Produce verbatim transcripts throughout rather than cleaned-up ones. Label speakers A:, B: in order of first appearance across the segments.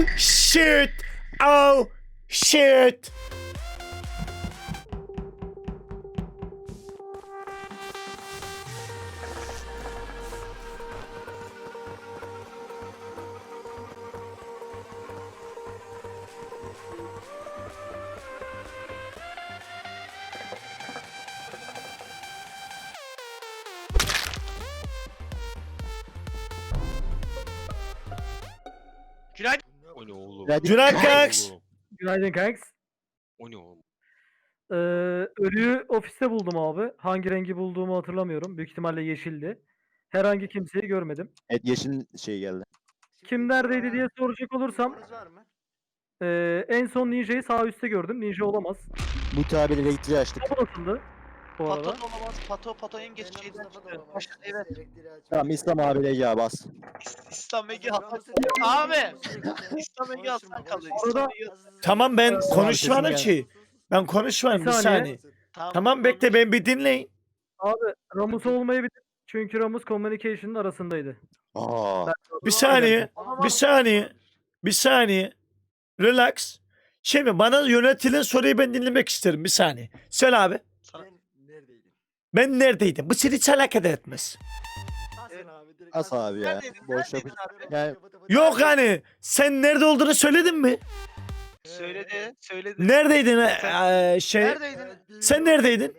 A: Oh shit. Oh shit.
B: Günaydın.
C: O ne oğlum?
A: Günaydın kanks.
D: Günaydın kanks.
C: O ne oğlum?
D: Ee, ölüyü ofiste buldum abi. Hangi rengi bulduğumu hatırlamıyorum. Büyük ihtimalle yeşildi. Herhangi kimseyi görmedim.
E: Evet yeşil şey geldi.
D: Kim neredeydi diye soracak olursam ee, en son Ninja'yı sağ üstte gördüm. Ninja olamaz.
E: Muti abiyle elektriği açtık.
D: O nasıldı? Bu
B: Pato
D: arada.
B: da olamaz. Pato, Pato en geç şeyden çıktı. Başka, evet.
E: Tamam İslam abiyle Ege bas.
B: İslam Ege Hasan. Abi. İslam Ege Hasan kalıyor. İslam Ege Hasan.
A: Tamam ben
D: Ee,
A: konuşmadım
E: sesin
A: ki. Ben konuşmadım
D: Bir
A: bir
D: saniye.
A: saniye. Tamam bekle ben bir dinleyin.
D: Abi Ramus olmayabilir. Çünkü Ramus Communication'ın arasındaydı.
E: Aa.
A: Bir saniye. Bir saniye. Bir saniye. Relax. Şimdi bana yönetilen soruyu ben dinlemek isterim bir saniye. Söyle abi.
B: Sana-
A: Ben neredeydim? Bu seni hiç alakadar etmez.
E: As abi ya.
B: Neredeydin?
E: Boş
B: Neredeydin
E: yapış.
B: abi?
E: Yani
A: Yok hani sen nerede olduğunu söyledin mi?
B: Söyledi. Söyledi.
A: Neredeydin ee, şey?
B: Neredeydin?
A: Sen neredeydin?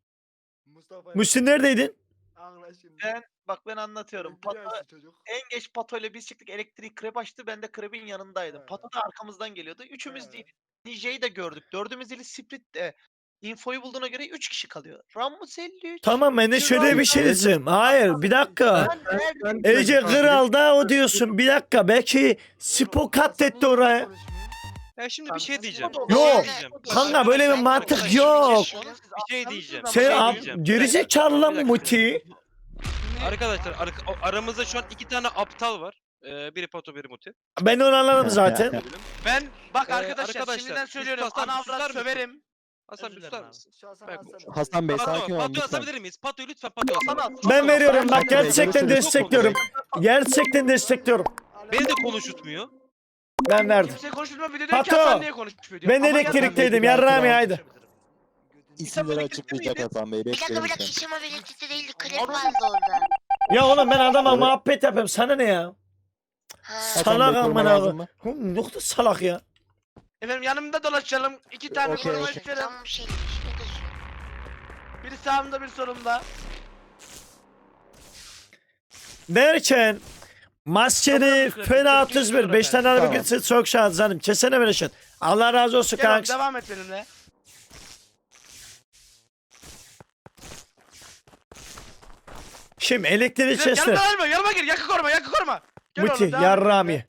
A: Muhsin neredeydin?
B: Ben bak ben anlatıyorum. Pato en geç Pato ile biz çıktık. Elektrik krep açtı. Ben de krebin yanındaydım. Pato da arkamızdan geliyordu. Üçümüz değil. Ninja'yı da gördük. Dördümüz değil Sprit'te. Infoyu bulduğuna göre üç kişi kalıyor. Ramus elli üç.
A: Tamam ben de şöyle bir şey diyeceğim. Hayır bir dakika.
B: Ben neredeyim?
A: Ece Kral da o diyorsun. Bir dakika belki Spo katletti oraya.
C: Ya şimdi bir şey diyeceğim.
B: Yok.
C: Bir şey
A: Yok.
C: diyeceğim.
A: Kanka böyle bir mantık
C: Arkadaşlar,
A: yok.
C: Bir şey diyeceğim. bir
A: Sen
C: şey
A: ab-
C: diyeceğim.
A: gerizekalı lan
C: Bir
A: bu
C: dakika.
A: Muti.
C: Arkadaşlar ar- aramızda şu an iki tane aptal var. Ee, biri Pato biri Muti.
A: Ben onu anladım zaten.
B: Ben bak
C: Ee,
B: arkadaşlar,
C: arkadaşlar,
B: şimdiden
C: siz
B: söylüyorum.
C: Hasan,
B: Ana
C: susar
B: avrat
C: mısın?
B: söverim.
C: Hasan bir
B: Özür
C: tutar
B: dilerim
C: mısın? Ben-
E: Hasan Bey
C: Pato,
E: sakin olun
C: Pato'yu
E: lütfen.
C: asabilir miyiz? Pato'yu lütfen Pato'yu
B: Sana-
C: asalım.
A: Ben veriyorum bak
E: Çok güzel,
A: gerçekten
E: görüşürüz.
A: destekliyorum. Gerçekten destekliyorum.
C: Beni de konuşutmuyor.
A: Ben verdim.
B: Kimse konuşmuyor bir de diyor ki
A: Pato,
B: Hasan niye konuşmuyor diyor.
A: Ben
B: Ama
A: elektrikteydim
E: yarın-
A: yarrağım haydi.
E: İsimleri açıklayacak Hasan Bey.
F: Bir dakika bir
E: Bekleyin
F: dakika
E: lütfen.
F: İsim abi elektrikte değildi. Krep vardı orada.
A: Ya oğlum ben adama muhabbet yapıyorum sana ne ya?
F: Ha.
E: Hasan
A: Salak
E: Bey, koruma
A: amına
E: lazım mı?
A: koyayım. Hı, Yok da salak ya.
B: Efendim yanımda dolaşalım. İki tane
E: Okey,
B: koruma
E: okey.
B: isterim.
F: Tam bir şeymiş. Nedir?
B: Biri sağımda bir solumda.
A: Derken maskeni
B: Tamam,
A: fena
B: kırk, kırk,
A: otuz bir.
B: kırk,
A: beş tane araba
E: tamam.
A: gitsin çok şans canım. Kesene böyle şey. Allah razı olsun
B: Gel oğlum,
A: kanks.
B: devam et benimle.
A: Şimdi elektriği
B: Gel,
A: kestir.
B: yanıma gelme, yanıma gir. Yakı koruma, yakı koruma. Gel
A: Muti
B: oğlum, devam et
A: yarrağım
B: benimle.
A: ye.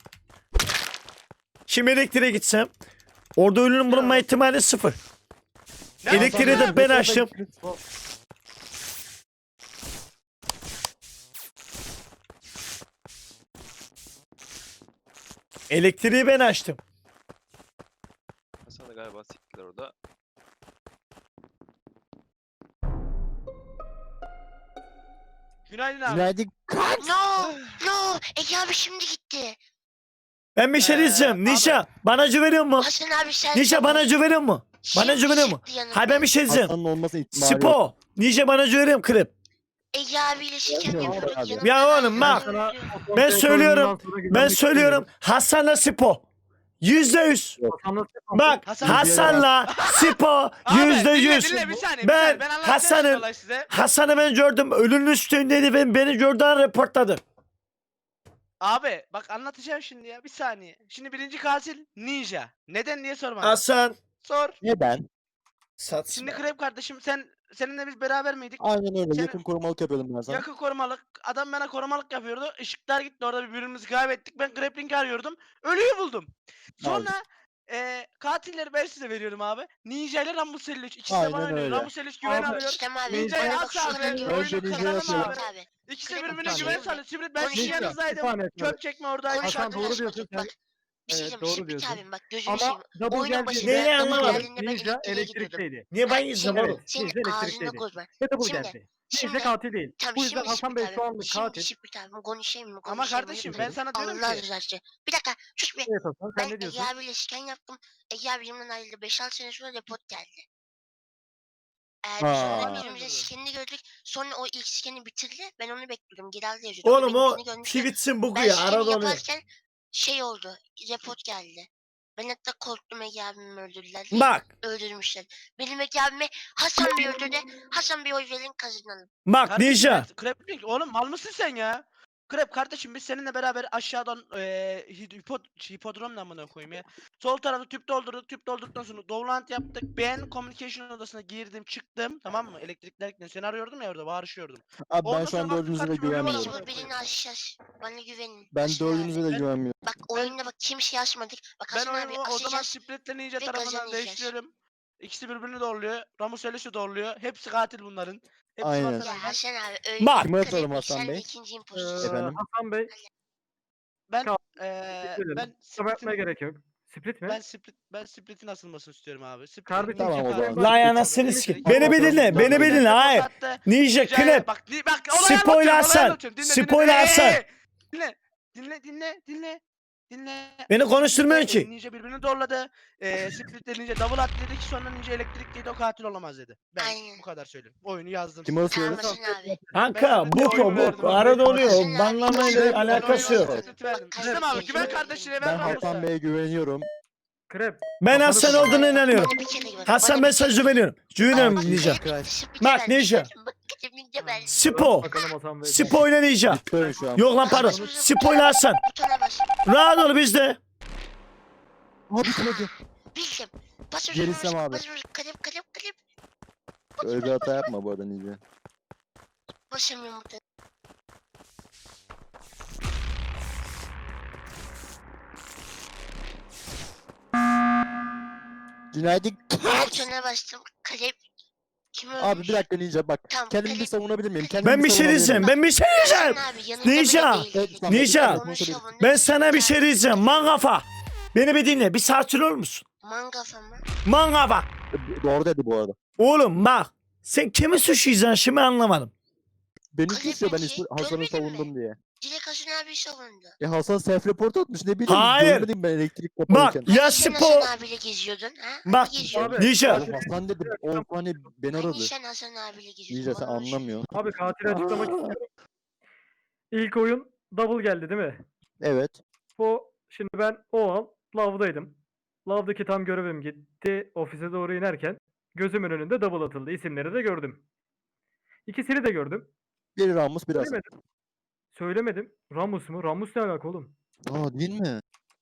A: Şimdi elektriğe gitsem. Orada ölünün bulunma ihtimali sıfır.
B: Ne
A: Elektriği
B: yapıyorsun?
A: de ben açtım. Elektriği ben açtım.
C: Hasan da galiba siktiler orada.
B: Günaydın abi.
E: Günaydın.
F: No! No! Ege abi şimdi gitti.
A: Ben bir şey
B: Ee,
A: diyeceğim.
B: abi.
A: Nişa bana güveniyor mu?
F: Hasan abi sen...
A: Nişa bana güveniyor mu? Bana
F: Şimdi
A: güveniyor mu?
F: çıktı yanımdan.
A: Hayır ben bir şey diyeceğim.
E: Hasan'ın olması ihtimali yok.
A: Spo. Nişa bana güveniyor klip.
F: Ege abiyle siken
E: Yok,
F: yapıyorduk
E: abi.
F: yanımdan.
A: Ya oğlum bak.
D: Sana-
A: Ben söylüyorum,
D: Sonra
A: Ben
D: güvenlik
A: söylüyorum Hasan'la Spo. Yüzde yüz.
D: istiyorum. Hasan'la Spo.
A: Bak
B: Hasan-
A: Hasan'la Spo
B: Abi,
A: yüzde
B: dinle,
A: yüz.
B: dinle, bir saniye, bir
A: Ben
B: saniye. Ben anlatacağım
A: Hasan'ın-
B: şimdi olayı size.
A: Hasan'ı ben gördüm. Ölünün üstündeydi ve beni gördüğün reportladı.
B: Abi bak anlatacağım şimdi ya bir saniye. Şimdi birinci katil Ninja. Neden diye sorma.
A: Hasan.
B: Sor.
E: Neden?
A: Sat.
B: Şimdi Krep kardeşim sen seninle biz beraber miydik?
E: Aynen öyle.
B: Senin-
E: Yakın korumalık yapıyordum ben sana.
B: Yakın korumalık. Adam bana korumalık yapıyordu. Işıklar gitti orada birbirimizi kaybettik. Ben Krepling'i arıyordum. Ölüyü buldum. Sonra eee katilleri ben size veriyorum abi. Ninja ile Ramus elli üç. İkisi de
E: Aynen
B: bana oynuyor.
E: öyle.
B: Ramus elli üç güven
D: Abi,
B: alıyor.
F: İstem abi.
B: Ninja'yı
F: Bak
B: asla
F: şuradan
B: ben-
F: güven
E: Önce
F: yok.
E: Ninja'yı
F: Kazanamam
E: yapıyorum.
F: Ahmet abi.
B: İkisi de
F: Krep
B: birbirine
F: konuşuyor.
B: güven sağlıyor. Sibrit ben sizin
F: Konuşuyor.
B: yanınızdaydım.
D: Bir saniye,
B: Çöp çekme oradaydı.
D: Hasan
F: Konuşmadın
D: doğru
F: açma
D: diyorsun
F: tut
D: sen.
F: bak. Bir şey
D: Evet,
F: diyeceğim.
D: doğru
F: Split
D: diyorsun.
F: abim bak gözünü
D: Ama
F: seveyim.
D: double
F: Oyunun başında
A: Neyi
D: geldiğinde,
F: double
A: anlamadım?
F: geldiğinde ben
D: Ninja
F: elektriğe gidiyordum.
D: elektrikteydi.
A: Niye ben
F: Ha,
A: izlem
F: şimdi-
A: oğlum?
F: Senin
D: Ninja
F: ağzını
D: elektrikteydi.
F: bozma.
D: Ve double
F: Şimdi-
D: geldi.
F: Şimdi
D: Ninja katil değil.
F: tamam
D: Bu yüzden
F: şimdi
D: Hasan Bey
F: Split
D: şu
F: abim.
D: anlık
F: Şimdi
D: katil.
F: Split abim konuşayım mı?
C: Ama
F: konuşayım mı?
C: kardeşim
F: Lütfen.
C: ben sana diyorum
F: Allah
C: ki.
F: rızası için. Bir dakika sus bir.
D: Evet Hasan sen
F: Ben
D: ne diyorsun?
F: Ege abiyle scan yaptım. Ege abi benimle ayrıldı. beş altı sene sonra report geldi. Ee, biz
E: Ha.
F: sonra birbirimize scanini gördük. Sonra o ilk scan'i bitirdi. Ben onu bekliyordum. Giral'de yazıyordu.
A: Oğlum o
F: benimkini görmüştü.
A: Twitch'in bugu
F: Ben
A: ya
F: scan'i
A: arada oluyor.
F: yaparken şey oldu. Report geldi. Ben hatta korktum Ege abimi öldürdüler diye.
A: Bak
F: Öldürmüşler. Benim Ege abime Hasan Bey öldürdü. Hasan Bey oy verin kazanalım.
A: bak
C: Kardeşim
A: Ninja.
C: ben- Krep diyor ki, oğlum mal mısın sen ya? Krep kardeşim biz seninle beraber aşağıdan eee hipod hipodrom ne amına koyayım ya. Sol tarafta tüp doldurduk. Tüp doldurduktan sonra download yaptık. Ben communication odasına girdim, çıktım. Tamam mı? Elektrikler seni arıyordum ya orada bağırışıyordum.
E: Abi ben
C: Ondan
E: şu
C: sonra
E: an
C: baktım
E: dördünüze de
C: kardeşim öyle
E: güvenmiyorum.
C: var.
F: Biz bu birini aşacağız. Bana güvenin.
E: Ben
F: Hasan abi.
E: dördünüze de
C: Ben-
E: güvenmiyorum.
F: Bak oyunda bak kimseye asmadık. Bak
C: Ben
F: Hasan abi
C: oyunu o zaman
F: asacağız.
C: Split'le Ninja
F: ve
C: tarafından
F: kazanacağız.
C: değiştiriyorum. İkisi birbirini doğruluyor. Ramus Elis'i doğruluyor. Hepsi katil bunların. Hepsi
E: Aynen.
C: vatan
F: Ya
C: haini.
F: Hasan abi öyle
A: Bak.
E: Kime
F: bir
E: atalım
F: kredi,
E: Hasan
F: sen de
E: Bey?
F: ikinci
D: Ee,
F: imposter.
E: Efendim?
D: Hasan Bey
C: Ben
D: Kal-
C: eee
D: Bitirelim.
C: ben
D: kusura bakmaya
C: Split'in
D: gerek yok. Split mi?
C: ben Split ben Split'in asılmasını istiyorum abi. Split'in
D: Kardeşim,
C: Ninja
E: tamam o
C: katil-
E: zaman.
A: Lan
E: Split-
A: anasını
C: Ninja-
A: sikeyim.
C: Ninja-
A: Beni bir dinle.
E: Ninja-
A: Beni bir dinle. Hayır.
C: Ninja-
A: Ninja
C: Ninja'ya
A: Knep.
C: Bak, di- bak olayı
A: Spoiler
C: anlatıyorum, olayı
A: Hasan.
C: anlatıyorum. Dinle, dinle,
A: Spoiler
C: dinle.
A: Hasan.
C: Ee, Dinle. Dinle, dinle, dinle. Dinle.
A: Beni konuşturmuyorsun
C: Split'le,
A: ki.
C: e, Ninja birbirini doğradı. Eee Split'le Ninja double at dedi ki sonra Ninja elektrikliydi o katil olamaz dedi. Ben
F: Aynen.
C: bu kadar söyleyeyim. Oyunu yazdım.
E: Kim
C: size.
E: asıyoruz?
F: Hasan abi.
A: Kanka
C: Ben-
A: bu
C: ben oyunu
A: bu
C: verdim.
A: arada oluyor.
F: Hasan abi,
A: Banlamayla
F: Hasan abi,
A: alakası
F: ben
A: yok.
F: oyunu
C: Split verdim.
F: Bak,
C: İstem abi
F: kardeşim,
C: güven
F: ben-
C: kardeşine
E: Ben
C: ver
E: Hasan
C: Ramus'a.
E: Bey'e güveniyorum.
D: Krep.
A: Ben
D: Hasan'ı
A: Hasan
D: seviyorum.
A: olduğuna inanıyorum.
F: Bana bir kere güven.
A: Hasan
F: Bana
A: ben
F: bir kere
A: sözü veriyorum. Güveniyorum
F: Bak,
A: Ninja.
F: hep Split'e
A: Bak,
F: verdim.
A: Ninja.
F: Bak, hep Ninja verdim.
A: Spo.
D: Bakalım Hasan Bey.
A: Spo ile Ninja.
E: Bitti şu an.
A: Yok lan pardon. Spo ile Hasan.
F: Butona bas.
A: Rahat ol bizde.
E: Abi bitmedi.
F: Bildim. Bas
E: Gerisem
F: bas,
E: abi.
F: bas, bas, kalem kalem kalem.
E: Öyle bir hata yapma bu arada Ninja.
F: Basamıyorum butona.
E: Günaydın.
F: Butona bastım. Kalem. Kim ölmüş?
E: Abi bir dakika Ninja bak.
F: Tamam,
E: Kendimi
F: kalem-
E: bir savunabilir miyim? Kendimi
A: Ben bir şey
E: savunabilir
A: diyeceğim.
E: miyim?
A: Ben bir şey diyeceğim.
F: Hasan abi yanında
A: Ninja.
F: bile değildi.
E: Evet,
A: Ninja.
F: Onu savundum.
A: Ben sana bir şey diyeceğim. Man kafa. Beni bir dinle. Bir sakin olur musun?
F: Mangafa mı?
A: Man kafa.
E: Doğru dedi bu arada.
A: Oğlum bak. Sen kimi suçlayacaksın şimdi anlamadım.
E: Beni
F: Kalem
E: suçluyor ben
F: bence
E: ismi- Hasan'ı
F: görmedin mi?
E: savundum diye.
F: Dilek Hasan abi savundu.
E: E Hasan self report atmış ne bileyim.
A: Hayır.
E: Görmedim ben elektrik
A: Bak
E: kaparken.
A: ya
F: Hani sen
A: Spo.
F: Hasan abiyle geziyordun ha? Hani
A: Bak
F: geziyordun?
D: Abi,
A: Ninja.
E: Oğlum Hasan dedim. on saniye beni
F: Hani
E: aradı.
F: sen Hasan abiyle geziyordun?
E: Ninja sen
F: bana onu söyle.
E: anlamıyorsun.
D: Abi katili açıklamak istiyorum. İlk oyun double geldi değil mi?
E: Evet.
D: Bu şimdi ben o an lavdaydım. Lavdaki tam görevim gitti. Ofise doğru inerken gözümün önünde double atıldı. İsimleri de gördüm. İkisini de gördüm.
E: Biri Ramus biraz.
D: Söylemedim. Söylemedim. Ramus mu? Ramus ne alaka oğlum?
E: Aa değil mi?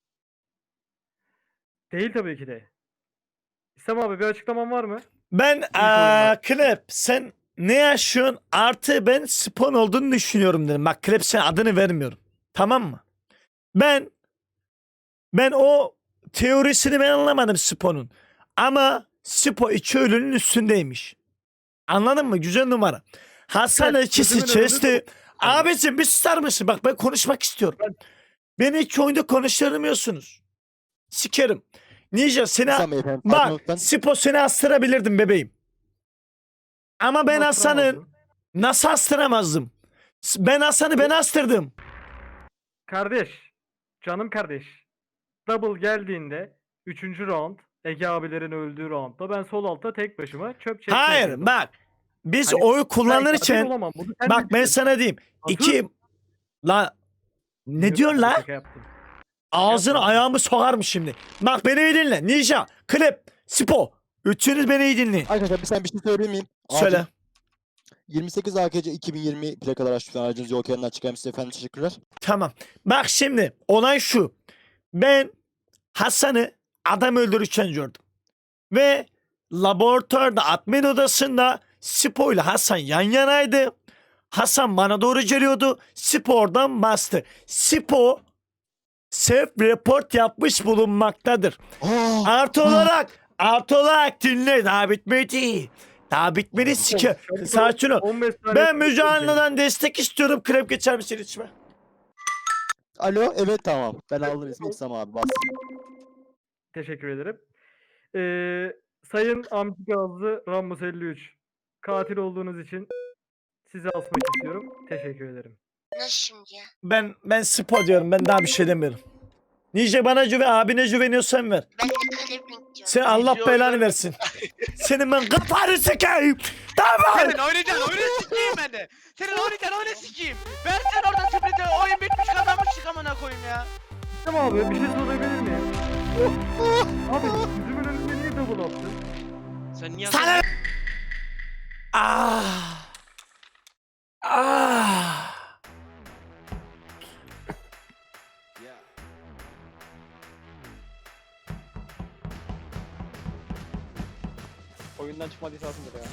D: Değil tabii ki de. İslam abi bir açıklaman var mı?
A: Ben
D: oyunda.
A: aa, Klep sen ne yaşıyorsun? Artı ben Spon olduğunu düşünüyorum dedim. Bak Klep sen adını vermiyorum. Tamam mı? Ben ben o teorisini ben anlamadım Spon'un. Ama Spo iki ölünün üstündeymiş. Anladın mı? Güzel numara. Hasan
D: Evet,
A: ikisi
D: gözümün önünde
A: çesti. Abicim bir susar mısın? Bak ben konuşmak istiyorum. Beni iki oyunda konuşturmuyorsunuz. Sikerim. Ninja seni
E: Hasan beyefendi.
A: bak
E: Bak.
A: Spo seni astırabilirdim bebeğim. Ama ben Hasan'ın
D: Bastıramazdım.
A: nasıl astıramazdım? S- Ben Hasan'ı ben astırdım.
D: Kardeş. Canım kardeş. Double geldiğinde üçüncü round Ege abilerin öldüğü roundda ben sol altta tek başıma çöp çekmeye
A: Hayır
D: gidiyordum.
A: bak. Biz
D: Hani
A: oy
D: Ben katil
A: kullanırken
D: olamam, bunu sen
A: bak ben
D: bilirsin.
A: sana diyeyim.
D: Nasıl?
A: İki la ne
D: Yok,
A: diyorsun la?
D: şaka yaptım.
A: Ağzını
D: yapma.
A: ayağımı sokarım şimdi. Bak beni iyi dinle. Ninja, Klip, Spo. Üçünüz beni iyi dinleyin.
E: Arkadaşlar bir sen bir şey söyleyeyim miyim? Acil.
A: Söyle.
E: yirmi sekiz A K C iki bin yirmi plakalar açtık. Aracınız yol kenarından çıkarmışsınız efendim. Teşekkürler.
A: Tamam. Bak şimdi olay şu. Ben Hasan'ı adam öldürürken gördüm. Ve laboratuvarda admin odasında Spo ile Hasan yan yanaydı. Hasan bana doğru geliyordu. Spo oradan bastı. Spo self report yapmış bulunmaktadır.
E: Aa,
A: Artı olarak artı olarak dinle daha bitmedi. Daha bitmedi sike.
D: Çabuk ol,
A: Sakin ol.
D: on beş saniye
A: Ben
D: sonra
A: Müge Anlı'dan destek istiyorum. Krep geçer misin içime?
E: Alo, evet tamam. Ben aldım ismi İslam abi, bas.
D: Teşekkür ederim. Ee, Sayın Amca Gazlı Rambus elli üç. Katil olduğunuz için sizi asmak istiyorum. Teşekkür ederim.
F: Nasıl şimdi ya?
A: Ben ben Spo diyorum. Ben daha bir şey demiyorum. Nice bana güven, abine güveniyorsan ver.
F: Ben de Clipping diyorum.
A: Sen Allah
B: Nice
A: belanı
B: oynar-
A: versin. Senin ben kafanı sikeyim. Tamam.
C: Senin oynayacaksın oyunu sikeyim ben de. Senin oynayacaksın oyunu sikeyim. Ben sen oradan Sprint'e oyun bitmiş kazanmıştık amına koyayım ya.
D: Tamam abi, bir şey sorabilir miyim? Abi gözümün önünde niye double attın?
C: Sen niye
A: Sana... Ah. Ah.
G: Oyundan çıkmadıysa atılır ya.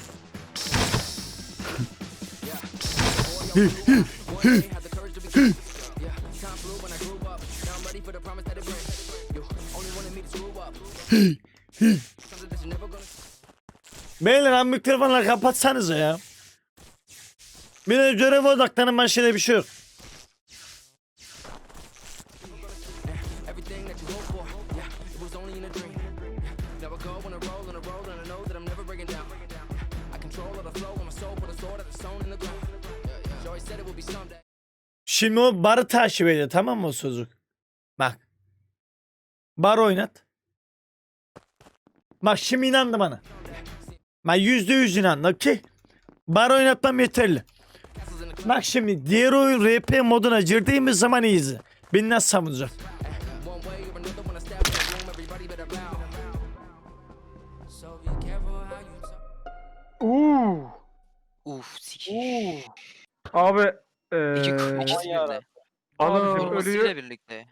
A: Beyler abi mikrofonları kapatsanıza ya. Bir de göreve odaklanın, başka bir şey yok. Şimdi o barı takip ediyor, tamam mı o çocuk? Bak. Bar oynat. Bak şimdi inandı bana. Ben yüzde yüz inandım ki. Bar oynatmam yeterli. Bak şimdi diğer oyun R P moduna girdiğimiz zaman iyiyiz. Beni nasıl savunacak?
D: Uuu.
H: Uf sikiş.
D: Abi
H: İki,
D: eee
H: ikisi birde.
D: abicim
H: Vurmasıyla
D: ölüyü
H: birlikte.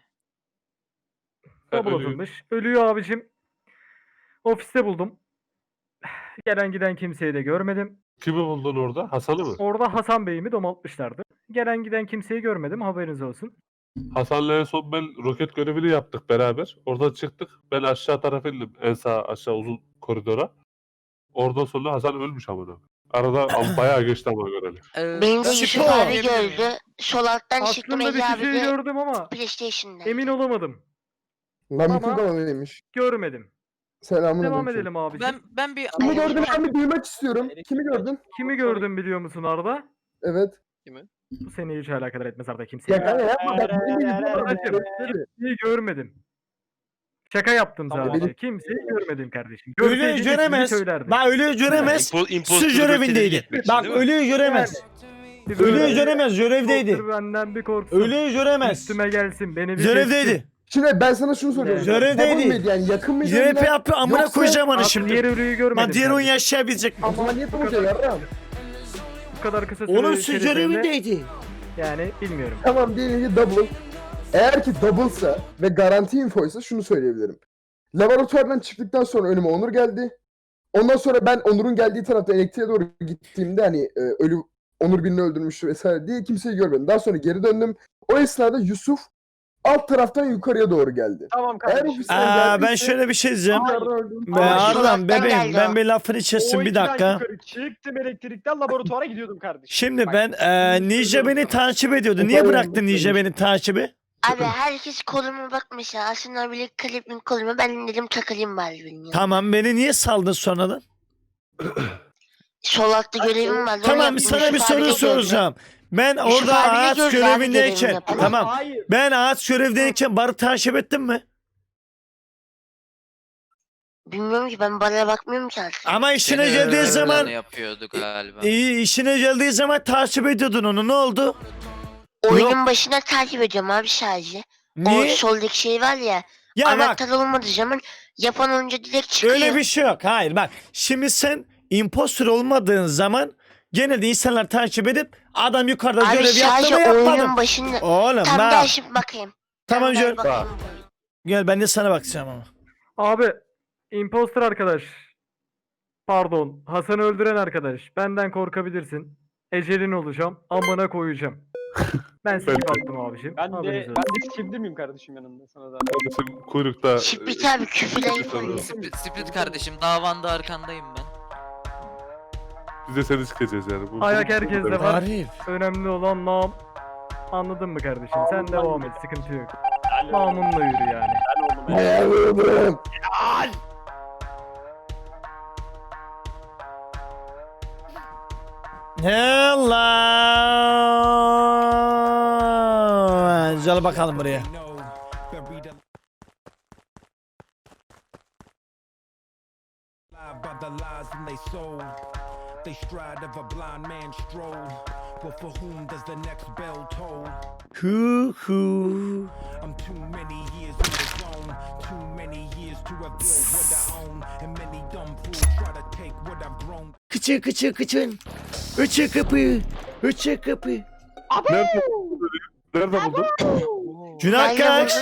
D: double atılmış. Ölüyü abicim ofiste buldum. Gelen giden kimseyi de görmedim.
I: Kimi buldun orada? Hasan'ı mı?
D: Orada Hasan Bey'imi domaltmışlardı. Gelen giden kimseyi görmedim, haberiniz olsun.
I: Hasan'la en son ben roket görevini yaptık beraber. Oradan çıktık. Ben aşağı tarafa indim. En sağ aşağı uzun koridora. Oradan sonra Hasan ölmüş amına. Arada am- bayağı geçti ama göreli.
H: Ee,
F: Beni de
A: Ben
F: Yusuf
A: Spo.
F: abi gördü. Sol alttan çıktım
D: Aslında bir
F: Ece abi
D: kişiyi
F: de
D: gördüm ama
F: PlayStation'da.
D: emin olamadım.
J: Lan
D: Ama-
J: bütün kanalıymış.
D: Görmedim.
J: Selamun
D: Devam
J: aleyküm.
D: edelim abicim.
H: ben ben bir
J: Kimi
F: Ay,
J: gördün
F: lütfen.
J: abi, duymak istiyorum. Kimi gördün?
D: Kimi gördün biliyor musun Arda?
J: Evet.
D: Bu seni hiç alakadar etmez Arda, kimseyi.
J: Ya kanka yapma. Bak, beni biliyorum.
D: Aracım,
J: Tabii.
D: kimseyi görmedim. Şaka yaptım
J: Tamam,
D: sadece.
J: benim-
D: Kimseyi görmedim kardeşim.
A: Ölüyü
D: Görseydin ismini
A: göremez.
D: söylerdim.
A: Bak ölüyü göremez. Su görevindeydi. Bak ölüyü göremez.
D: Bir
A: Ölüyü
D: böyle-
A: göremez, görevdeydi.
D: Korktur benden bir korksun.
A: Ölüyü göremez.
D: Üstüme gelsin beni bir kessin.
A: Görevdeydi.
J: Şimdi ben sana şunu soruyorum.
A: Görevdeydi.
J: Double mıydı yani, yakın mıydı?
A: R P yapıyor, amına
J: Yoksa-
A: koyacağım onu
D: Bak,
A: şimdi.
D: diğer ölüyü görmedim.
A: Lan diğer oyun
D: kardeşim.
A: yaşayabilecek mi?
J: O zaman niye tutacak yarram?
D: Bu kadar kısa süre
A: Onun su
D: içerisinde
A: görevindeydi.
D: yani bilmiyorum.
J: Tamam, diyelim ki double. Eğer ki double'sa ve garanti infoysa şunu söyleyebilirim. Laboratuvardan çıktıktan sonra önüme Onur geldi. Ondan sonra ben Onur'un geldiği tarafta elektriğe doğru gittiğimde hani e, ölü Onur birini öldürmüştü vesaire diye kimseyi görmedim. Daha sonra geri döndüm. O esnada Yusuf alt taraftan yukarıya doğru geldi.
G: Tamam
J: Eğer
G: kardeşim.
J: ofisten
A: Aa, ben
J: geldiyse-
A: şöyle bir şey diyeceğim.
J: Yukarıdan öldüm.
A: Be
F: Ama şu
A: Arlan
F: alttan
A: bebeğim,
F: geldi
A: ben
F: o.
A: bir lafını içesin bir
G: ikiden
A: dakika.
G: yukarı çıktım elektrikten laboratuvara gidiyordum kardeşim.
A: Şimdi
G: Bak,
A: ben e, Nice beni takip ediyordu. Niye bıraktın Nice beni takibi?
F: Abi herkes koluma bak mesela. Aslında bile Clipping koluma. Ben dedim takılayım bari benim ya.
A: Tamam, beni niye saldın sonradan?
F: Sol altta görevim vardı. onu
A: Tamam,
F: yaptım.
A: sana bir
F: Yusuf
A: soru
F: abi de gördü.
A: soracağım. Ben
F: Yusuf
A: orada
F: abi de
A: ağaç
F: gördü abi
A: görevindeyken,
F: görevini yapan.
A: tamam.
G: Hayır.
A: Ben ağaç görevindeyken barı takip ettin mi?
F: Bilmiyorum ki, ben bana bakmıyorum ki artık.
A: Ama işine
H: Seni
A: geldiği
H: ön
A: zaman
H: planı yapıyordu galiba.
A: iyi, işine geldiği zaman takip ediyordun onu. Ne oldu?
F: Oyunun başına takip ediyorum abi sadece. O
A: Niye?
F: soldaki şey var ya.
A: Ya bak,
F: Anahtar olmadığı zaman yapan oyuncu direkt çıkıyor.
A: öyle bir şey yok. Hayır bak. Şimdi sen impostor olmadığın zaman genelde insanlar takip edip adam yukarıda
F: Abi
A: görev yaptı
F: sadece
A: mı yapmadı
F: oyunun
A: mı?
F: başında.
A: Oğlum
F: Tam
A: bak.
F: gel şimdi bakayım.
A: Tamam
F: Tam gel
A: Jör.
F: bakayım.
A: Gel ben de sana bakacağım ama.
D: Abi imposter arkadaş. Pardon. Hasan'ı öldüren arkadaş. Benden korkabilirsin. Ecelin olacağım. Amına koyacağım. Ben skip attım abiciğim.
G: Ben de
D: Haberiniz
G: ben
D: olsun.
G: de skipli miyim kardeşim yanında sana da?
I: Kardeşim kuyrukta...
F: Şipit abi küfürden yapıyor.
H: Split, split kardeşim davanda arkandayım ben.
I: Biz de seni sikeceğiz yani. Bu,
D: Ayak
I: bu- bu-
D: herkeste
I: bu-
D: var.
A: Arif.
D: Önemli olan nam. Anladın mı kardeşim? Sen devam et, sıkıntı yok. Mamunla yürü yani.
J: Hayal oğlum.
A: Allah. Gel bakalım buraya.
K: by the lies and they sold. They stride of a blind man stroll. But for whom does the next bell toll?
A: Hu hu.
K: I'm too many years in the zone. Too many years to have built what I own. And many dumb fools try to take what I've grown.
A: Kıçı kıçı kıçın. Üçü kapı. Üçü kapı.
I: Nerede buldun? Nerede buldun?
A: Günah
F: Nerede
A: kaç.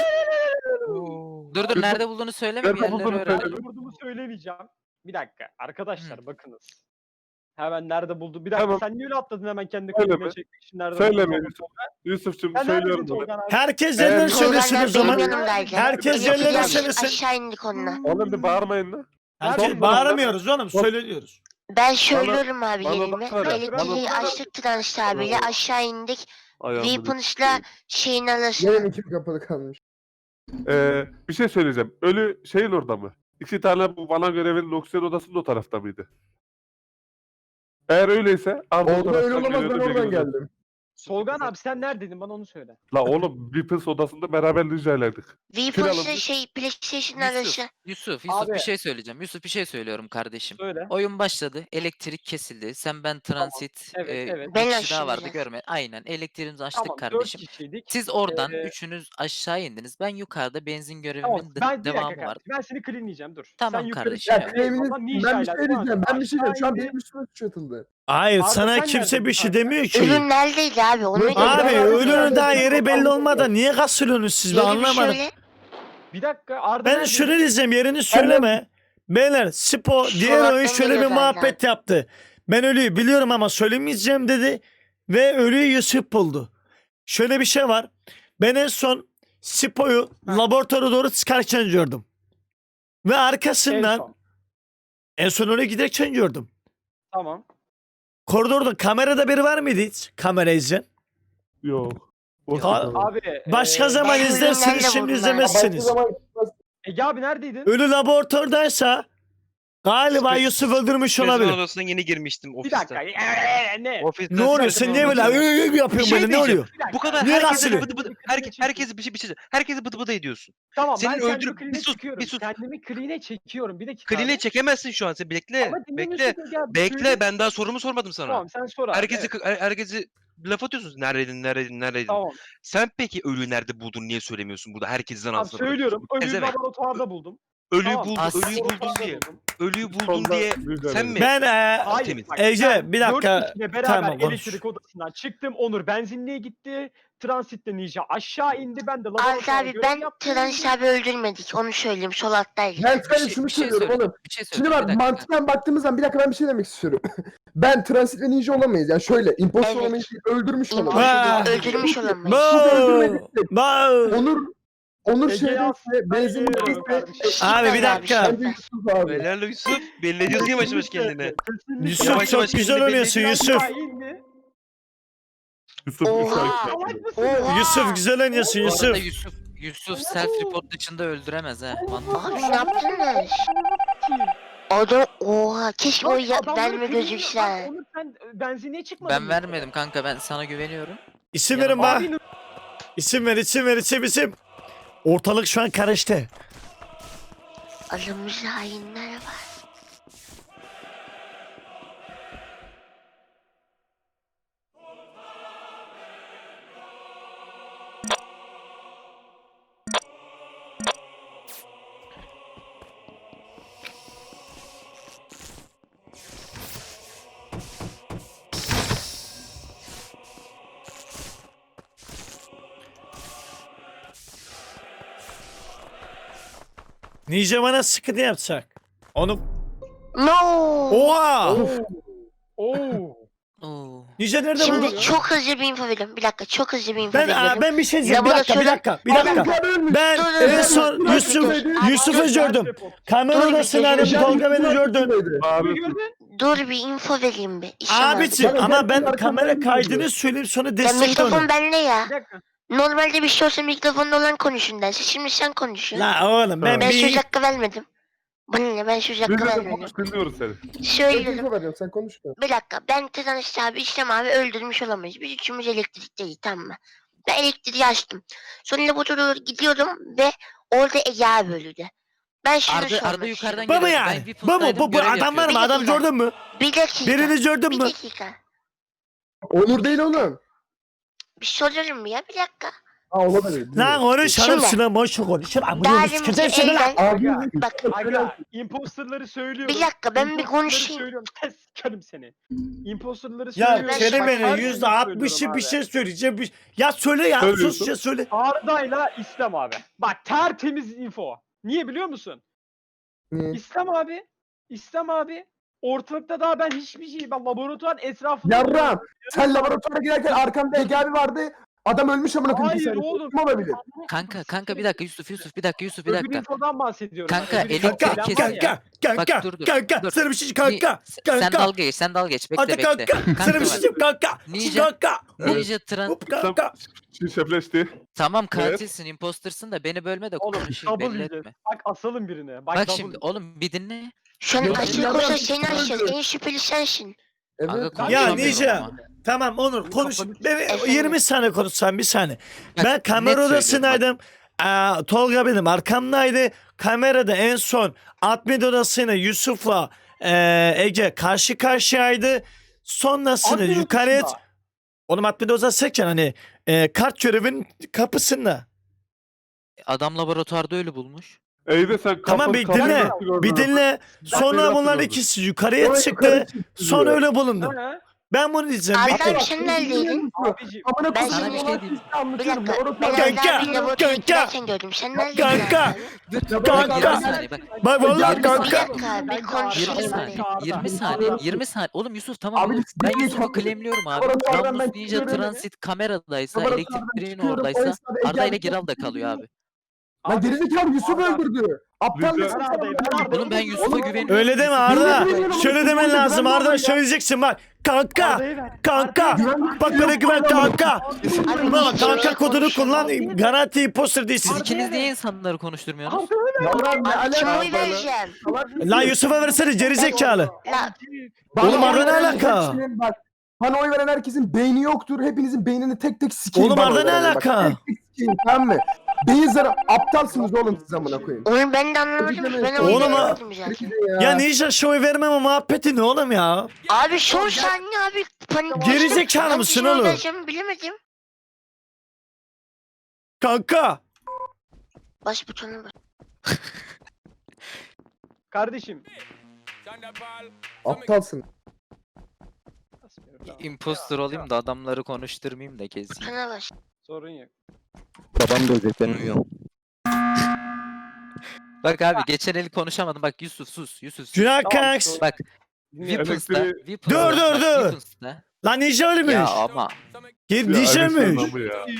H: Dur dur nerede bulduğunu söyleme bir
I: Nerede
H: yerleri
I: bulduğunu
H: öğren.
I: söyle.
G: Nerede bulduğumu söylemeyeceğim. Bir dakika arkadaşlar bakınız. Hemen nerede buldu? Bir dakika
I: Tamam.
G: sen niye öyle atladın hemen kendi
I: Söyleme.
G: kulübüne çekmek için nerede
I: Söyleme
G: bulduğunu?
I: Yusuf. Yusuf'cum
G: Sen
I: söylüyorum
G: neredesin
I: bunu.
G: Tolga abi?
A: Herkes
I: Eğer-
A: yerine söylesin
F: Tolga
A: o zaman.
F: benim yanımdaydı.
A: Herkes
F: Biz
A: yerlerine
F: aş-
A: söylesin.
F: Aşağı indik onunla.
I: Oğlum bir bağırmayın lan.
A: Herkes
I: Son
A: bağıramıyoruz oğlum. Söylüyoruz.
F: Ben söylüyorum abi
I: bana
F: yerimi.
I: baksana,
F: Elektriği
I: bana-
F: açtık Transit abiyle
I: Bana-
F: aşağı indik.
I: Ayağımı
F: Weapons'la şeyin arasına.
J: Yerin iki kapalı kalmış.
I: Ee, bir şey söyleyeceğim. Ölü şeyin orada mı? İki tane bu bana görevinin oksijen odasının o tarafta mıydı? Eğer öyleyse Arda o
J: Orada öyle
I: taraftan
J: olamaz, ben
I: geliyordu,
J: oradan
I: bilginiz olsun.
J: geldim.
G: Solgan abi sen neredeydin bana onu söyle.
I: La oğlum Weapons odasında beraber ninjaylaydık.
F: Weapons'la
I: Kralım.
F: şey PlayStation
H: Yusuf,
F: arası.
H: Yusuf, Yusuf
G: Abi.
H: bir şey söyleyeceğim. Yusuf bir şey söylüyorum kardeşim.
G: Söyle.
H: Oyun başladı, elektrik kesildi. Sen ben transit,
G: Evet,
H: e,
G: evet.
H: bir
F: Ben
H: kişi daha vardı
F: açtım
H: görme. Aynen elektriğimizi açtık
G: Tamam
H: kardeşim.
G: dört kişiydik.
H: Siz oradan
G: Ee,
H: üçünüz aşağı indiniz. Ben yukarıda benzin görevimin
G: Tamam
H: de-
G: ben bir dakika
H: devamı
G: kardeşim,
H: vardı.
G: ben seni cleanleyeceğim dur.
H: Tamam
G: sen yukarı
H: kardeşim,
G: çık.
J: Ya
H: evet.
J: Craven'in
G: Eyvallah,
J: ben bir şey
G: ninjayla
J: diyeceğim. Ben bir şey diyeceğim. Şu an
G: aşağı
J: benim üstüme suç atıldı.
A: Hayır
G: Arda,
A: sana
G: sen
A: kimse
G: neredesin
A: bir şey
G: kanka?
A: demiyor ki.
F: Ürün neredeydi abi? Onu
J: Abi,
F: da
A: Abi
J: Ben-
A: ölünün daha
J: Ben-
A: yeri belli olmadan niye kasılıyorsunuz siz ben
F: Yeri bir
A: anlamadım.
F: söyle.
G: Bir dakika Arda
A: Ben
G: neredeydin?
A: şunu diyeceğim yerini söyleme. Beyler Spo
F: Şu
A: diğer oyun
F: alttan
A: şöyle bir
F: geliyor
A: muhabbet yaptı. Ben ölüyü biliyorum ama söylemeyeceğim dedi. Ve ölüyü Yusuf buldu. Şöyle bir şey var. Ben en son Spo'yu laboratuvara doğru çıkarken gördüm. Ve
G: En
A: arkasından
G: son.
A: en son oraya giderken gördüm.
G: Tamam.
A: Koridorda kamerada biri var mıydı hiç? Kamera izleyen.
I: Yok. Boş
A: Ha-
I: ver.
G: Abi.
A: Başka
G: eee,
A: zaman
F: ben
A: izlersiniz
F: ürünlerle
A: şimdi
F: vurdum ben.
A: izlemezsiniz.
J: Başka zaman
G: Ege abi neredeydin?
A: Ölü laboratordaysa galiba
L: Spe-
A: Yusuf öldürmüş
L: Mezun
A: olabilir.
L: odasına yeni girmiştim
G: Bir
L: ofiste.
G: dakika. Eee, ne?
L: Ofiste
A: Ne oluyor?
L: zaten
A: Sen niye böyle
L: olmadı.
A: öyle öyle yapıyorsun
L: Bir şey
A: böyle? Ne
L: diyeceğim.
A: oluyor?
G: Bir dakika.
L: Bu kadar
A: Niye
L: herkese
A: kasılıyor?
L: bıdı bıdı, herke, herkese bir şey bir şey herkese bıdı bıdı ediyorsun.
G: Tamam
L: Senin
G: ben kendimi
L: öldürüp-
G: clean'e
L: bir sus,
G: çekiyorum.
L: bir sus.
G: Kendimi clean'e çekiyorum. Bir dakika.
L: Kline
G: abi.
L: çekemezsin şu an sen bekle.
G: Ama
L: Bekle.
G: dinlemiyorsun Ege abi,
L: Bekle
G: söyle.
L: ben daha sorumu sormadım sana.
G: Tamam sen sor abi.
L: Herkesi
G: evet.
L: her- herkesi laf atıyorsunuz. Neredeydin, neredeydin, neredeydin?
G: Tamam.
L: Sen peki ölüyü nerede buldun niye söylemiyorsun burada? Herkesten
G: Tamam
L: ağzına
G: söylüyorum.
L: bırakıyorsun.
G: Ölüyü
L: Ezemek.
G: laboratuvarda buldum.
L: Ölüyü
G: Tamam.
L: buldun,
H: As-
L: ölüyü buldun
G: Laboratuvarda
L: diye.
G: buldum.
L: Ölüyü buldun
I: Solda
L: diye
I: ninjaylaydık.
L: sen mi?
A: Ben e,
G: Hayır.
L: Temiz.
G: bak,
A: Ece
G: ben
A: bir
G: dört
A: dakika.
G: kişiyle beraber
A: Tamam, konuş.
G: elektrik odasından çıktım. Onur benzinliğe gitti. Transitle Ninja aşağı indi. Ben de
F: Arda
G: laboratuvara
F: abi
G: görev
F: ben
G: yaptım.
F: Transit abi öldürmedik. Onu söyleyeyim. Sol alttaydı.
J: ben
H: Bir
J: sadece
H: şey-
J: şunu
H: bir şey
J: söylüyorum
H: söyle.
J: oğlum.
H: Bir şey
J: Şimdi
H: söyleyeceğim.
J: bak
H: bir dakika.
J: mantıktan baktığımız zaman bir dakika ben bir şey demek istiyorum. Ben transit ve ninja olamayız. Yani şöyle imposter
F: Evet.
J: olamayız değil, öldürmüş olamayız.
A: Ha.
F: İmpossible öldürmüş olamayız.
A: Bo! Bo!
J: Onur Onur
G: Ege
J: şeydeyse,
G: Aslı,
J: benzinlikteyse
G: kardeşim.
A: Abi bir
F: Süper
A: dakika.
J: bence Yusuf abi.
L: Helal Yusuf. Belli ediyorsun yavaş yavaş kendini.
G: Kesinlikle.
A: Yusuf
L: Yavaş
A: çok
L: yavaş
A: güzel
L: kendini
A: oynuyorsun
L: belli-
A: Yusuf.
G: Aşağı indi.
I: Yusuf üç
F: Oha.
I: ay.
G: Salak mısın?
F: Oha.
A: Yusuf güzel oynuyorsun
H: Bu arada
A: Yusuf.
H: Yusuf, Yusuf self report dışında öldüremez ha. Mantıklı.
F: Abi ne yaptınız? Adam oha keşke o ya,
G: Adamları
F: verme
G: clean'e-
F: gözükse.
G: Bak, Onur sen e, benzinliğe çıkmadın
H: Ben
G: mı?
H: vermedim kanka ben sana güveniyorum.
A: İsim
H: Ya
A: verin bak.
G: Abi,
A: İsim ver isim ver isim isim. Ortalık şu an karıştı.
F: Alınmış hainler var.
A: Ninja bana sıkıntı yapacak. Onu...
F: No.
A: Oha!
G: Oo.
H: Oo.
A: Ninja nerede
F: Şimdi
A: buldun?
F: çok hızlı bir info veriyorum. Bir dakika çok hızlı bir info
A: Ben
F: veriyorum.
A: aa, ben bir şey diyeceğim. Bir dakika, bir dakika, bir
F: Laboratuvar-
A: dakika.
J: ölmüş.
A: Ben
F: Dur, dur,
A: en
F: dur,
A: son
F: dur, dur,
A: Yusuf
F: dur.
A: Yusuf'u
F: Abi,
A: gördüm. Kamera
F: Dur bir
A: odasındaydım.
F: şey-
A: Tolga beni gördün.
I: Abi,
F: Dur bir info vereyim bir. İşim var.
A: Abiciğim
J: Ben-
A: ama
J: ben
A: ben kamera
J: arkamdan
A: kaydını söyleyeyim sonra
F: Ya
A: destekle
F: mikrofon
A: onu.
F: bende ya.
G: Bir dakika.
F: Normalde bir şey olsa mikrofonda olan konuşun derse. Şimdi sen konuşuyorsun.
A: La oğlum ben
F: Ben söz
A: bir...
F: hakkı vermedim. Bana ne ben söz hakkı
I: biz de
F: vermedim.
I: konuş dinliyoruz seni.
J: Ben
F: Söylüyorum.
J: info veriyorum sen konuş. da.
F: Bir dakika ben Tetanos abi İslam abi öldürmüş olamayız. Biz üçümüz elektrikteyiz tamam mı? Ben elektriği açtım. Sonra laboratuvara doğru gidiyordum ve orada Ege abi öldü. Ben şunu
H: Arda,
F: sormak
H: Arda yukarıdan
F: istiyorum.
A: Bu mu
H: geliyor. Ben
A: yani? Bu mu?
H: Weapons'taydım,
A: Bu, bu
H: görev
A: adam var
H: yapıyordum.
A: mı? Adam gördün mü?
F: Bir dakika.
A: Birini gördün
F: Bir
A: mü?
F: dakika.
J: Onur değil oğlum.
F: Bir soruyorum ya bir dakika.
J: Ha olabilir.
A: Lan konuş hanım
F: Şimdi-
A: şuna boş konuş. Ama
F: Daha
A: bunu
F: deminki
A: sikeceğim seni lan.
F: elden.
J: Abi
F: Bak
G: Aga imposterları söylüyorum.
F: bir dakika ben bir
G: Imposterları
F: konuşayım.
G: söylüyorum. Test sikerim seni. Imposterları
A: Ya
G: söylüyorum.
F: Ben-
A: Kerime'nin
G: Bak,
A: yüzde
G: her
A: altmışı
G: söylüyorum
A: bir
G: abi.
A: şey söyleyeceğim. Bir... Ya söyle ya
I: Söylüyorsun.
A: sus ya söyle.
G: Arda'yla İslam abi. Bak tertemiz info. Niye biliyor musun?
J: Niye?
G: İslam abi. İslam abi. Ortalıkta daha ben hiçbir şey. Ben laboratuvar etrafında.
J: Yarram. Sen laboratuvara girerken arkamda Ege abi vardı. Adam ölmüş amına koyayım.
G: Hayır
J: bir saniye.
G: oğlum.
J: Kim olabilir?
H: Kanka kanka bir dakika Yusuf Yusuf bir dakika Yusuf bir
G: Öbür
H: dakika.
G: infodan bahsediyorum.
H: Kanka,
G: ben. Öbür
H: elektrik
G: infodan
A: Kanka
H: kesin
G: var ya.
A: kanka kanka
H: Bak, dur, dur,
A: kanka
H: dur.
A: sana bir şey
H: Ni-
A: kanka
H: Sen
A: kanka.
H: dalga geç sen dalga geç bekle
A: Hadi
H: bekle.
A: kanka sana bir
H: bak,
A: şey diyeyim kanka.
H: Ninja-
A: Kanka.
H: Ninja Tran
A: Hop kanka.
I: Şifreleşti.
H: tamam
I: Evet.
H: katilsin impostersın da beni bölme de
G: Oğlum
H: konuşayım
G: double
H: belli
G: yiyeceğiz.
H: etme.
G: Bak asalım birine. Bak,
H: Bak
G: double
H: şimdi oğlum bir dinle.
F: Şu an
J: Ya-
F: açık
J: Ya-
F: olsa
J: Ya-
F: seni açacağız. En şüpheli sensin.
H: Aga
J: Evet.
A: Ya
H: konuşamıyorum
A: Ninja.
H: ama.
A: Tamam Onur konuş.
G: kafanı-
A: Ben
F: Efendim?
A: yirmi saniye konuşsam bir saniye.
H: Bak,
A: Ben
H: net
A: kamera
H: söylüyorum bak.
A: odasındaydım. Aa, Tolga benim arkamdaydı. Kamerada en son admin odasıyla Yusuf'la eee, Ege karşı karşıyaydı. Sonrasında
G: Admin
A: yukarıya...
G: odasında.
A: Oğlum admin odasıyken hani eee, kart görevinin kapısında.
H: Adam laboratuvarda ölü bulmuş.
I: İyi de sen
A: Tamam
I: kafanı
A: bir
I: kafayı
A: dinle.
I: nasıl gördün
A: Bir
I: abi?
A: dinle. Sonra
I: nasıl
A: bunlar
I: gördün?
A: ikisi yukarıya
J: Sonra
A: çıktı.
J: yukarı çıktı
A: Sonra
J: diyor.
A: öyle bulundu.
G: Ha?
A: Ben bunu diyeceğim.
F: Arda
A: Bekle.
F: abi sen neredeydin?
G: Abiciğim.
J: Amına
F: Ben
J: koyayım.
H: sana bir şey
J: olan
H: diyeyim.
J: sizi
F: Bir
J: anlatıyorum.
F: dakika. Ben
J: Laboratuvar-
A: Kanka,
F: Arda abi laboratuvara
A: kanka.
F: giderken gördüm. Sen neredeydin
A: Kanka.
F: Arda abi?
A: Kanka.
H: yirmi saniye bak.
A: Bak vallahi
H: Yirmi
A: kanka.
F: Bir dakika abi
H: yirmi
F: konuşayım
H: saniye.
F: abi.
H: yirmi saniye. yirmi saniye. Oğlum Yusuf tamam.
J: Abi
H: oğlum.
J: siz
H: Ben
J: niye
H: Yusuf'u
J: kalktınız?
H: claimliyorum abi.
J: Laboratuvardan
H: Rambus
J: ben
H: Ninja
J: çıkıyorum.
H: Transit kameradaysa,
J: Laboratuvardan
H: elektriğin
J: çıkıyorum, o
H: oradaysa
J: esnada Ege
H: Arda ile
J: abi-
H: Giral da kalıyor abi.
J: Lan gerizekalı Yusuf
G: Arda-
J: öldürdü. Aptal
I: Ninja-
J: mısın?
G: Ben Arda'yım, ben Arda'yım.
H: Oğlum ben Yusuf'a
J: Oğlum,
H: güveniyorum.
A: Öyle deme
H: Yusuf-
A: Arda.
J: Bilmiyorum,
A: Şöyle demen
J: Yusuf'a
A: lazım
J: güvenmiyorum
A: Arda.
J: ya.
A: Söyleyeceksin bak. Kanka.
G: Arda'yı ver.
A: Kanka.
J: Güvenlik
A: Bak bana güven kanka.
F: Abi
A: Bak
F: niye
A: kanka
F: böyle
A: kodunu
F: konuşuyorsun?
A: kullan. Garanti imposter değilsin.
H: Siz ikiniz niye insanları konuşturmuyorsunuz?
J: Yavrum ne
F: Abi kime
J: alaka?
F: oy vereceğim?
A: Lan Yusuf'a versene gerizekalı.
F: La
J: Bana
A: Oğlum
J: oy
A: Arda ne
J: veren
A: alaka?
J: hepsinin bak, bana oy veren herkesin beyni yoktur. Hepinizin beynini tek tek sikeyim.
A: Oğlum
J: bana
A: Arda
J: oy
A: ne
J: verene bak.
A: alaka?
J: Tek tek sikeyim, tamam mı? Beyin zarı aptalsınız oğlum siz amına koyayım.
F: oğlum ben de anlamadım ki ben oy
A: Oğlum ha-
F: vermedim zaten.
A: Ya Ninja şoy vermeme muhabbeti ne oğlum ya?
F: Abi son saniye abi panik
A: Geri
F: geçtim.
A: zekalı
F: Ben
A: mısın
F: kime oy
A: oğlum?
F: vereceğimi bilemedim.
A: Kanka.
F: Baş butona bas.
G: Kardeşim.
J: Aptalsın.
H: Imposter olayım da adamları konuşturmayayım da keseyim.
F: Butona bas.
G: Sorun yok.
E: Babam da ölecek ben uyuyorum.
H: Bak abi geçen el konuşamadım. Bak Yusuf sus. Yusuf sus.
A: Günah
G: Tamam,
A: kanks.
H: Bak
G: Dinliyorum.
H: Weapons'ta.
I: Elektriği-
H: Weapons'ta.
A: Dur, dur,
H: bak,
A: dur.
H: Weapons'ta.
A: Lan Ninja ölmüş.
H: Ya ama
A: Gel
I: Ya
A: Ninja'ymış.
I: Alexander mı ya?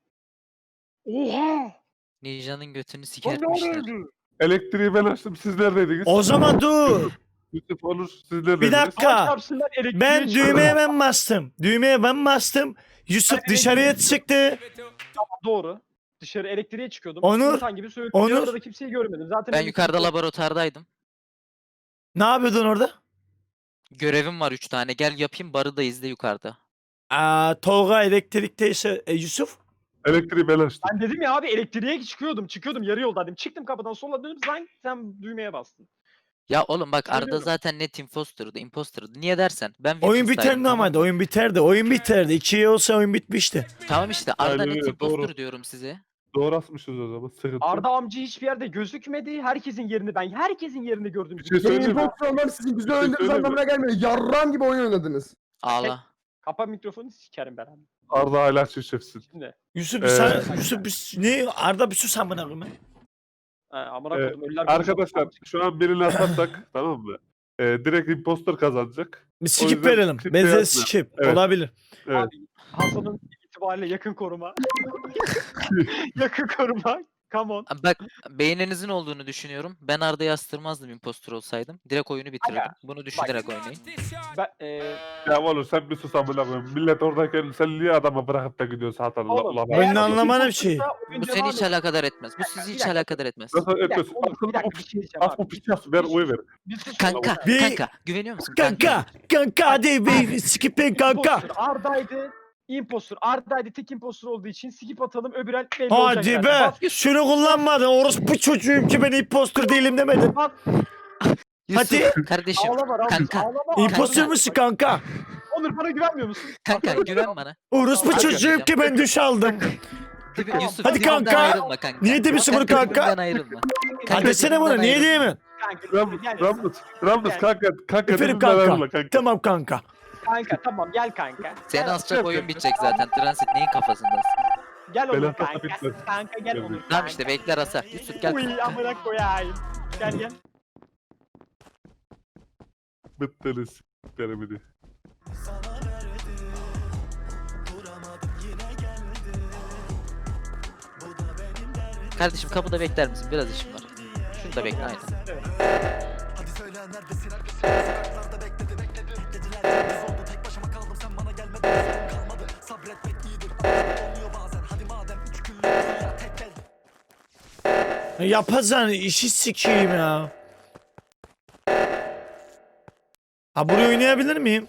G: Oha!
H: Ninja'nın götünü
G: Lan ne
H: sikertmişler.
G: oldu?
I: Elektriği ben açtım. Siz neredeydiniz?
A: O zaman dur.
I: Yusuf Onur siz neredeydiniz?
A: Bir dakika.
G: Çarpsınlar, elektriğe
A: Ben
G: çıkıyor.
A: düğmeye ben bastım. Düğmeye ben bastım. Yusuf dışarıya çıktı.
G: Doğru. Dışarı elektriğe çıkıyordum.
A: Onur,
G: İnsan gibi söyledim.
A: Onur.
G: Yanında da kimseyi görmedim. Zaten
H: Ben
G: elektrik
H: yukarıda
G: yok.
H: laboratuvardaydım.
A: Ne yapıyordun orada?
H: Görevim var üç tane. Gel yapayım barı da izle yukarıda.
A: Aa, Tolga elektrikteyse e, Yusuf.
I: Elektriği ben açtım.
G: Ben dedim ya abi elektriğe çıkıyordum. Çıkıyordum yarı yoldaydım. Çıktım kapıdan sola dönüp sen, sen düğmeye bastın.
H: Ya oğlum bak Arda
G: Söylüyorum.
H: zaten net imposter'dı. Imposter'dı. Niye dersen? Ben
A: Oyun
H: Weapons'taydım,
A: biter
H: tamam mı?
A: normalde. Oyun biterdi. Oyun biterdi. İkiye olsa oyun bitmişti.
H: Tamam işte Arda
I: Aynen
H: net
I: öyle,
H: imposter
I: doğru.
H: diyorum size.
I: Doğru asmışız o zaman. Sıkıntı. yok.
G: Arda amca hiçbir yerde gözükmedi. Herkesin yerini ben herkesin yerini gördüm.
I: Bir şey
J: Benim
I: söyleyeyim mi?
J: impostor olmanız sizin güzel
I: Bir şey
J: oynadığınız
I: söyleyeyim mi?
J: anlamına gelmiyor. Yarram gibi oyun oynadınız.
H: Ağla.
G: Kapa mikrofonu sikerim ben abi.
I: Arda hala şişefsin.
G: Şimdi.
A: Yusuf bir
I: Ee,
A: sen, Yusuf bir, ne Arda bir sus amına koyayım.
G: Ha, amına
I: Ee,
G: koydum ölüler.
I: Arkadaşlar şu an birini atarsak tamam mı? Ee, direkt imposter kazanacak.
A: Bir
I: O
A: skip
I: yüzden
A: verelim.
I: skip
A: Benzer
I: yapma.
A: skip.
I: Evet.
A: Olabilir.
I: Evet.
G: Hasan'ın itibariyle yakın koruma. yakın koruma. Come on.
H: Bak beyninizin olduğunu düşünüyorum. Ben Arda'yı astırmazdım impostor olsaydım. Direkt oyunu bitirirdim.
G: Aga,
H: Bunu düşünerek oynayın.
G: Ben, e,
I: Ya oğlum sen bir sus amına koyayım. Millet oradayken sen niye adama bırakıp da gidiyorsun Hasan? La,
G: Oğlum,
I: la,
A: Ben
G: eğer
A: de
G: o
A: anlamadım
G: impostorsa
A: şeyi.
G: oyun
H: Bu
G: devam
H: seni hiç
G: edecek.
H: alakadar etmez. Bu
G: Bir dakika,
H: sizi
G: bir
H: hiç
G: dakika.
H: alakadar etmez.
I: Nasıl
G: Bir dakika,
I: etmesin?
G: oğlum, bir
I: Aklını
G: dakika,
I: bu
G: bir şey diyeceğim
I: As bu
G: abi.
I: piças ver oy ver.
G: Bir sus
H: Kanka,
G: oğlum.
A: Bir-
H: kanka güveniyor musun? Kanka.
A: Kanka. Kanka hadi bir skip'in kanka.
G: Impostor Arda'ydı. Impostor Arda'ydı. Tek impostor olduğu için skip atalım. Öbür el belli olacak
A: Hadi
G: zaten.
A: be.
G: Bas,
A: Şunu kullanmadın. Orospu çocuğum ki ben impostor değilim demedim.
G: bas.
H: Yusuf
A: Hadi.
H: kardeşim.
G: Ağlama Ramız.
H: Kanka,
G: Ağlama.
A: İmpostor
H: Kanka.
A: musun kanka?
G: Onur bana güvenmiyor musun?
H: Kanka güven bana.
A: Orospu
H: Kanka.
A: çocuğum ki ben duş aldım.
H: Dibi- Yusuf
A: Hadi
H: dibimden
A: kanka.
H: ayrılma kanka.
A: Niye demişsin bunu kanka?
H: Dibimden ayrılma.
A: Hadi desene bunu.
H: dibimden
A: Niye
H: ayrılma.
A: diyemem?
G: Kanka,
I: Ramız,
G: gel.
I: Ramız, Ramız
G: Gel.
I: kanka, kanka
A: Efendim
I: dibimden ayrılma
A: kanka.
I: kanka.
A: Tamam kanka.
G: Kanka tamam gel kanka.
H: Seni
G: Gel,
H: asacak oyun bitecek zaten. Transit neyin kafasındasın?
G: gel Onur
I: Benim
G: kanka.
I: bitmez.
G: Kanka gel
I: Gel.
G: Onur.
H: Tamam işte bekler asa. Yusuf gel.
G: Uy amına koyayım. Gel gel.
I: Bittiniz. Denemedi.
H: Kardeşim kapıda bekler misin? Biraz işim var. Şunu da bekle aynen.
A: Yapazan işi sikeyim ya. Ha buraya oynayabilir miyim?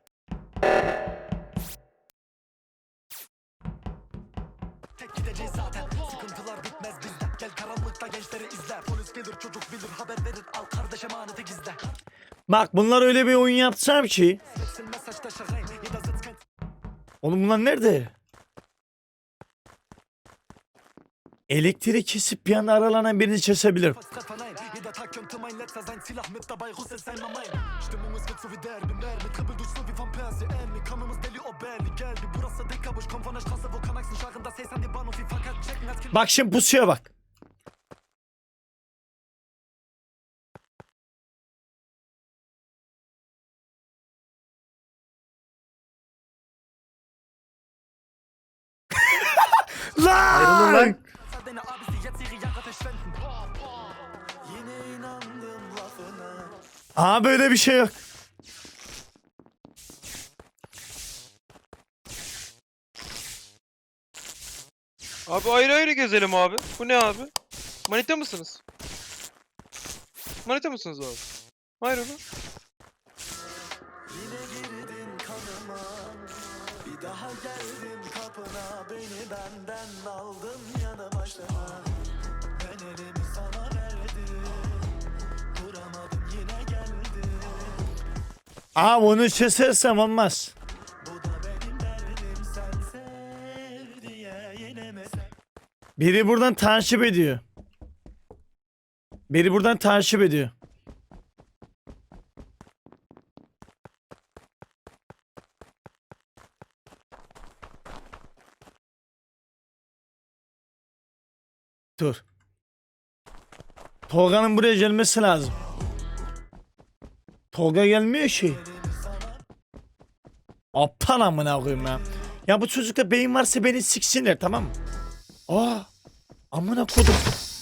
A: Bak bunlar öyle bir oyun yapsam ki. Oğlum bunlar nerede? Elektrik kesip bir anda aralanan birini kesebilir. Bak şimdi pusuya bak.
D: Ayrılın lan.
A: Aa böyle bir şey yok.
L: Abi ayrı ayrı gezelim abi. Bu ne abi? Manita mısınız? Manita mısınız abi? Hayır oğlum.
A: Aa bunu kesersem olmaz. Biri buradan takip ediyor. Biri buradan takip ediyor. Dur. Tolga'nın buraya gelmesi lazım. Tolga gelmiyor ki. Aptal amına koyayım ya. Ya bu çocukta beyin varsa beni siksinler tamam mı? Aa, amına kodum.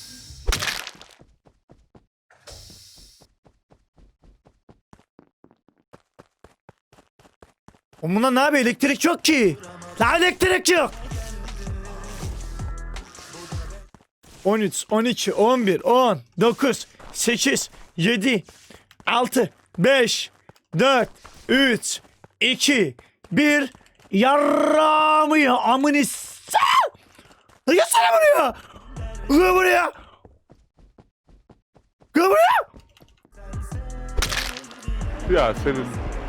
A: Bunda ne yapıyor? Elektrik yok ki. La elektrik yok. on üç, on iki, on bir, on, dokuz, sekiz, yedi, altı, beş, dört, üç, iki, bir. Yarrağımı ya amını s***. Gelsene buraya. Gel buraya. Gel buraya.
I: Ya senin